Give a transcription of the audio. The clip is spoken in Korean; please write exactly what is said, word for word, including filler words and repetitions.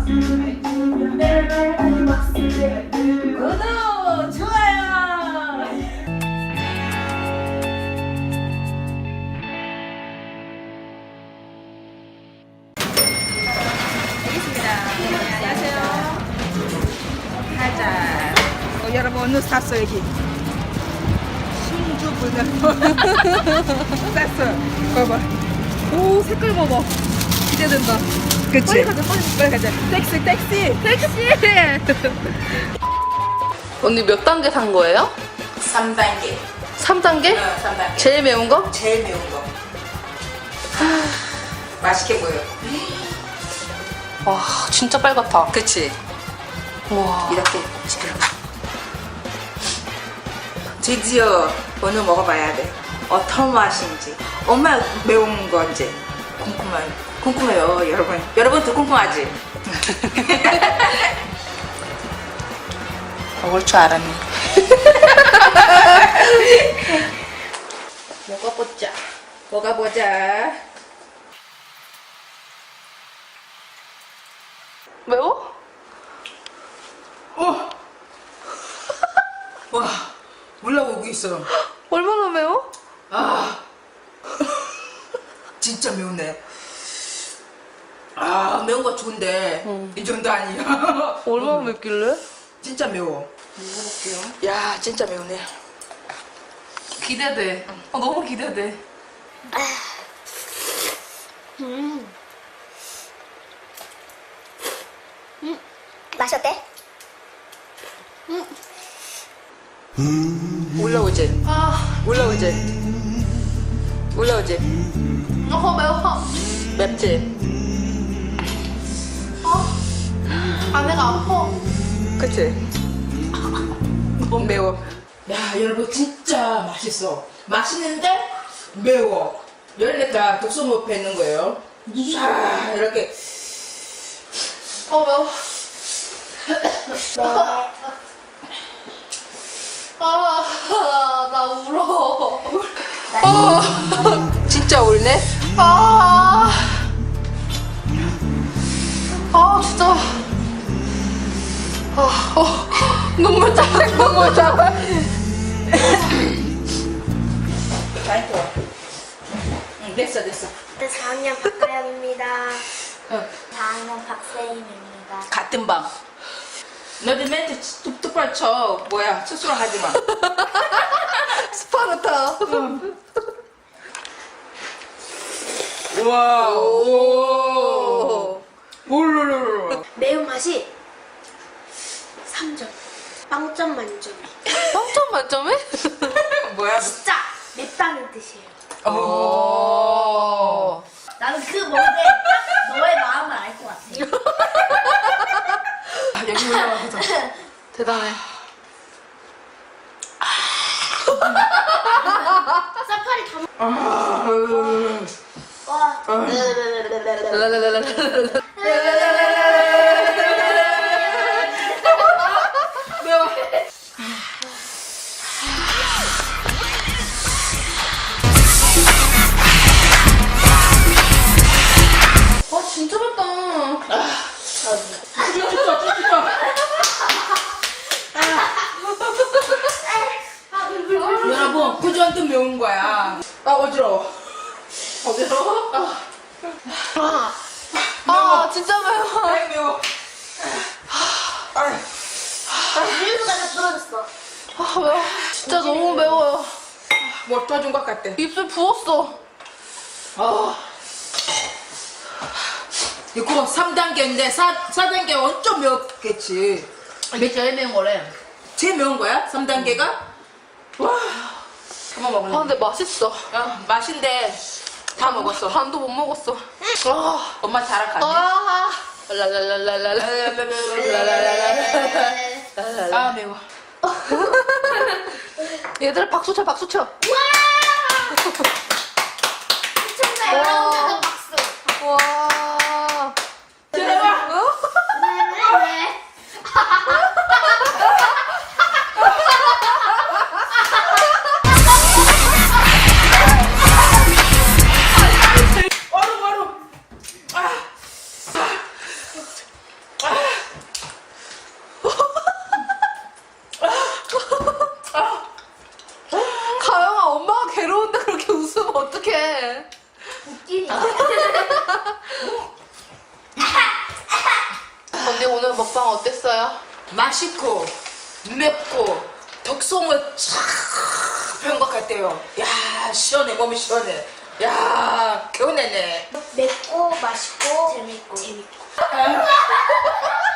구독, 좋아요. 알겠습니다. 안녕하세요. 가자. 어, 여러분 오늘 샀어 여기. 신주 불닭. 샀어. 봐봐. 오 색깔 봐봐. 기대된다. 그치? 빨리 가자, 빨리, 빨리 가자. 택시, 택시, 택시. 언니 몇 단계 산 거예요? 삼 단계. 삼 단계? 어, 삼 단계. 제일 매운 거? 제일 매운 거. 맛있게 보여. 와 진짜 빨갛다. 그치? 와 이렇게 지금. 드디어 오늘 먹어봐야 돼. 어떤 맛인지. 얼마나 매운 건지. 궁금해. 궁금해요, 여러분. 여러분도 궁금하지? 먹을 줄 알았네. 먹어보자. 먹어보자. 매워? 어! 와, 올라오고 있어. 얼마나 매워? 아, 진짜 매우네. 아, 매운 거 좋은데 응. 이 정도 아니야. 얼마나 맵길래? 진짜 매워. 먹어볼게요. 야, 진짜 매우네. 기대돼. 어, 너무 기대돼. 음. 음. 맛이 어때? 올라오지? 아 올라오지? 올라오지? 너무 매워. 맵지? 안에가 아파. 그치? 너무 매워. 야, 여러분 진짜 맛있어. 맛있는데 매워. 열렸다 독소못 뱉는 거예요. 자, 이렇게. 어 매워. 아, 나 울어. 어, 진짜 울네? 아, 아 진짜. 아, 어, 눈물 짜, 눈물 짜. 많이 좋아. 응, 됐어, 됐어. 네, 사 학년 박가영입니다. 응. 사 학년 박세인입니다. 같은 방. 너도 멘트 뚝- 똑바로 쳐. 뭐야, 스스로 하지 마. 스파르타. 우와, 오. 볼로로로. 매운맛이 삼 점. 빵점 만점. 빵점 만점에? 뭐야? 진짜 맵다는 뜻이에요. 오. 나는 그 먹을 때딱 너의 마음을 알 것 같아. 아, 여기 올라와 보자. 대단해. 사파리 다 먹... 아, 와. 매워. 와 진짜 맵다. 쭈쭈쭈, 쭈쭈쭈. 여러분, 구조한테 매운 거야. 아, 어지러워. 어디로? 아, 아 진짜 매워. 아이, 매워. 아, 밀수가 다 떨어졌어. 아 매워. 진짜 너무 매워요. 뭐 터진 것 같아. 입술 부었어. 아. 이거 삼 단계인데 사, 사 단계 엄청 매웠겠지. 이게 제일 매운 거래. 제일 매운 거야? 삼 단계가? 와. 그만 먹을래. 아 근데 맛있어. 야, 맛인데 다 먹었어. 반도 못 먹었어. 아, 엄마 자락하네. 아, 랄랄랄랄랄라. 아, 매워. 얘들아 박수 쳐, 박수 쳐. 미쳤네. 여러분 박수. 와. 들어와. 네. 웃기니. 언니 오늘 먹방 어땠어요? 맛있고 맵고 독성을 쫙 배운 것 같아요. 야 시원해 몸이 시원해. 야 개운해네. 맵고 맛있고 재밌고 재밌고.